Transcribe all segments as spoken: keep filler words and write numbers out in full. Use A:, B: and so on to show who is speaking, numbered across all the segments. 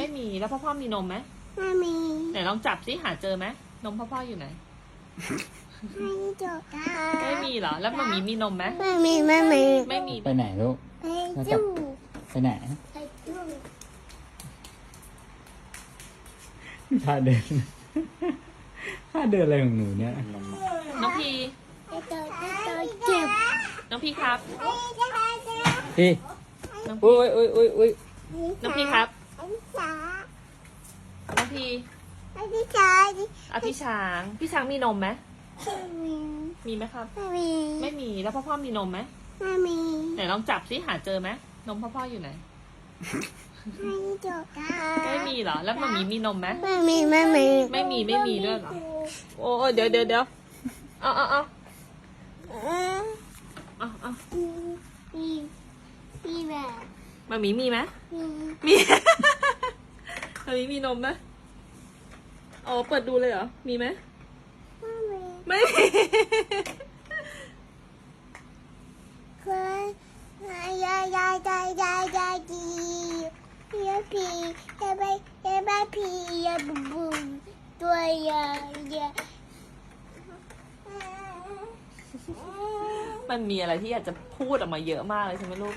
A: มีแล้วพ่อพ่อมีนมไหม
B: ไม่มี
A: ไหนลองจับสิหาเจอไหมนมพ่อพ่ออยู่ไหน
B: ไม่จบ
A: ไม่มีเหรอแล้วมามีมีนมไหม
B: ไม่มีไม่มี
A: ไม่มี
C: ไปไหนลูก
B: ไปจู้
C: ไปไหน
B: ไปจู้
C: ท่าเดินท่าเดินอะไรของหนูเนี่ย
A: น้องพี
B: ไปเจอไปเจอเจ็บ
A: น้องพีครับ
C: พี่อุ้ยอุ้ยอุ้ยอุ้ย
A: น้องพีครับ
B: ไอ้จ๋า
A: น้องพี
B: ไอ้พี่จ๋าดิ
A: อ่ะพี่ช้างพี่ช้างมีนมไหม
B: ไม่มี
A: มีไหมครับ
B: ไม่มี
A: ไม่มีแล้วพ่อพ่อมีนมไหม
B: ไม่มี
A: ไหนลองจับสิหาเจอไหมนมพ่อพ่ออยู่ไหน
B: ไม่จบ
A: ไม่มีเหรอแล้วมามีมีนมไหม
B: ไม่มีไม่มี
A: ไม่มีไม่มีด้วยเหรอโอ้เดี๋ยวเดี๋ยวเดี๋ยวเอาเอาเอาเอาเอา
B: มีมีแบบ
A: มามีมีไหม
B: มี
A: มีมามีมีนมไหมอ๋อเปิดดูเลยเหรอมีไหม
B: ไม่มี
A: ไม่มี
B: เคยยายยายยายยายยายดียายพียายไปยายไปพียายบุบบุบตัวยายยาย
A: มันมีอะไรที่อยากจะพูดออกมาเยอะมากเลยใช่ไหมลูก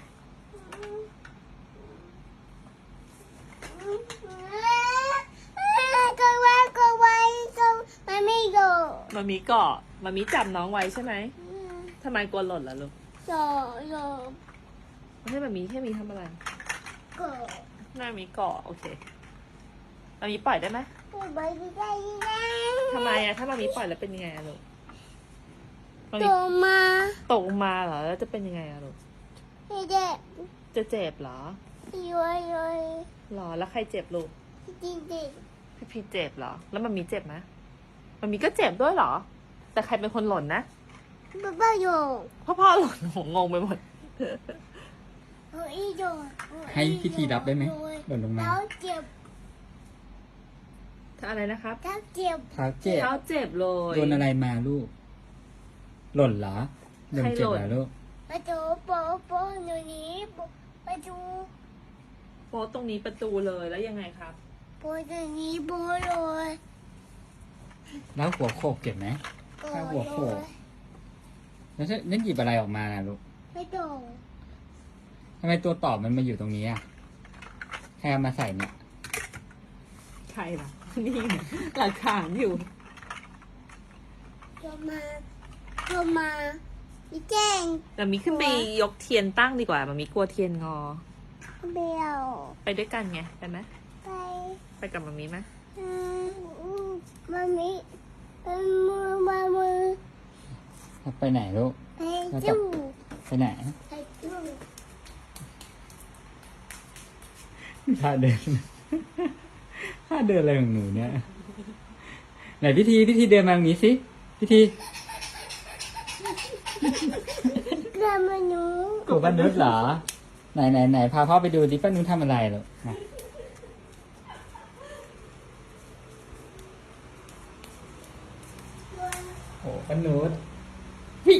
B: ก็ไว้ก็ไว้ก็มันไม่โดด
A: มามีเกาะมามีจับน้องไว้ใช่ไหมทำไมกลัวหล่นล่ะลูก
B: โดดโดด
A: ไม่ใช่มามีแค่มีทำอะไร
B: ก็
A: มามีเกาะโอเคมามีปล่อยได้ไหม
B: ไปได้ยังไง
A: ทำไมอะถ้ามามีปล่อยแล้วเป็นยังไงอะลูกมา
B: โต
A: มี
B: มา
A: ตกมาเหรอแล้วจะเป็นยังไงอะลูก
B: ไม่ได้
A: จะเจ็บเหรอ
B: ย้อยย้อย
A: หรอแล้วใครเจ็บลูก
B: จริงจริง
A: พี่พีเจ็บเหรอแล้วมันมีเจ็บไหมมันมีก็เจ็บด้วยเหรอ แต่ใครเป็นคนหล่นนะ
B: ป้าป้าโย
A: พ่อพ่อหล่นโหงงไปหมด
B: เฮ้ยโย
C: ให้พิธีรับได้ไหมหล่นลงมา
B: แล้วเจ็บ
A: ถ้าอะไรนะครับ
B: แล้วเจ็บ
C: เท้าเจ็บ
A: เท้าเจ็บเลย
C: โดนอะไรมาลูก หล่นเหรอโดนเจ็บเหรอลูก
B: ประตูโป๊ะโป๊ะหนูนี้ประตู
A: โป๊ะตรงนี้ประตูเลยแล้วยังไงครับ
B: โป๊ะตรงนี้โป๊ะเลย
C: แล้วหัวโขกเจ็บไหม ถ้าหัวโขก แล้วนั่นหยิบอะไรออกมานะลูก
B: ไม่โดน
C: ทำไมตัวตอบมันมาอยู่ตรงนี้อ่ะใครเอามาใส่เนี่ย
A: ใครล่ะ นี่ไงหลักฐานอยู่
B: โยมาโยมาอีแจ้ง
A: แต่มีขึ้นไปยกเทียนตั้งดีกว่ามันมีกลัวเทียนงอ
B: เบี้ยว
A: ไปด้วยกันไงไปไหม
B: ไป
A: ไปกับมามีไหม
B: อืมมามิเป็นมือมามือ
C: ไปไหนลูก
B: ไปจู้
C: ไปไหน
B: ไปจู้
C: ท่าเดิน ท่าเดินอะไรของหนูเนี่ย ไหนพิธีพิธีเดินมาตรงนี้สิพิธี
B: เกลือมาหนู
C: ตัวป้านุชเหรอ ไหนไหนไหนพาพ่อไปดูดิป้านุชทำอะไรหรอมาโอ้ป้านุชวิ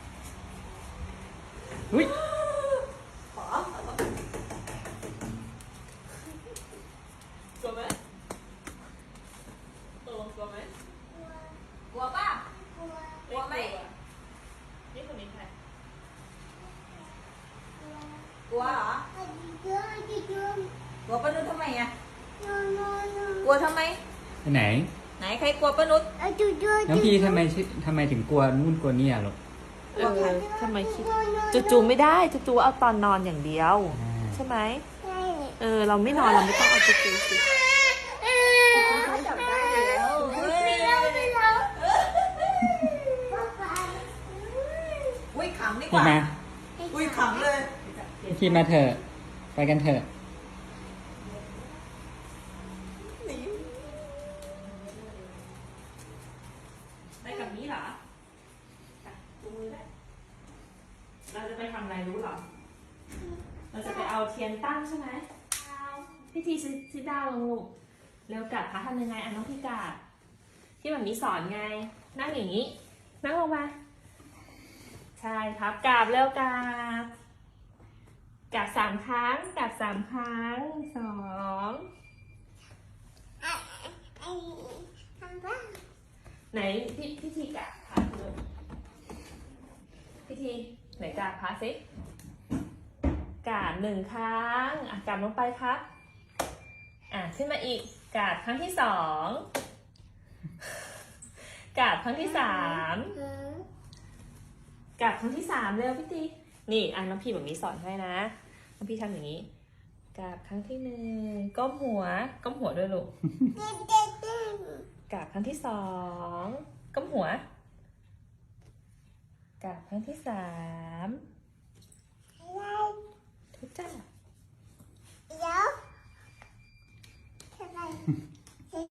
C: วิ
A: กลัวไหมตกลงกลัวไหมกลัวป่ะกลัวไหมนี่คนนี้ใครกลัวเหรอ
B: ไปจู้ไปจู้
A: กลัวป้านุชทำไมอะ
B: โน่โน่โน่
A: กลัวทำไม
C: ไปไหน
A: ไหนใครกลัวป้านุช
B: ไปจู้จู้
C: น้องพีทำไมชื่อทำไมถึงกลัวนู่นกลัวนี่อ่ะลูก
A: เออทำไมคิดจูจูไม่ได้จูจูเอาตอนนอนอย่างเดียว ใช่ไหม
B: ใช่
A: เออเราไม่นอนเราไม่ต้องเอาจูจูสิจับได้แล้ว
B: ไม่เล่าไม่เล่า
A: อุ้ยขำดีก
C: พี่
A: ว่า
C: มา
A: อุ้ยขำเลย
C: พี่มาเถอะไปกันเถอะ
A: ไปกับนี้เหรอจูมือได้เราจะไปทำอะไรรู้เหรอ เราจะไปเอาเทียนตั้งใช่ไหมพิธีซิดาวลงลูกเร็วกัดคะทำยังไงอ่ะน้องพี่กาดที่แบบนี้สอนไง นั่งอย่างนี้ นั่งลงมา ใช่ครับกราบเร็วกราบกราบสามครั้งกราบสามครั้งสองไหนพี่พี่ทีกราบพระดูพี่ทีไหนกราบพระสิกราบหนึ่งครั้งอ่ะกราบลงไปครับอ่ะขึ้นมาอีกกราบครั้งที่สองกราบครั้งที่สามกราบครั้งที่สามเร็วพี่ทีนี่อ่ะน้องพี่แบบนี้สอนให้นะน้องพี่ทำอย่างนี้กราบครั้งที่หนึ่งก้มหัวก้มหัวด้วยลูกกราบครั้งที่สองก้มหัวกราบครั้งที่สามทุกจ้า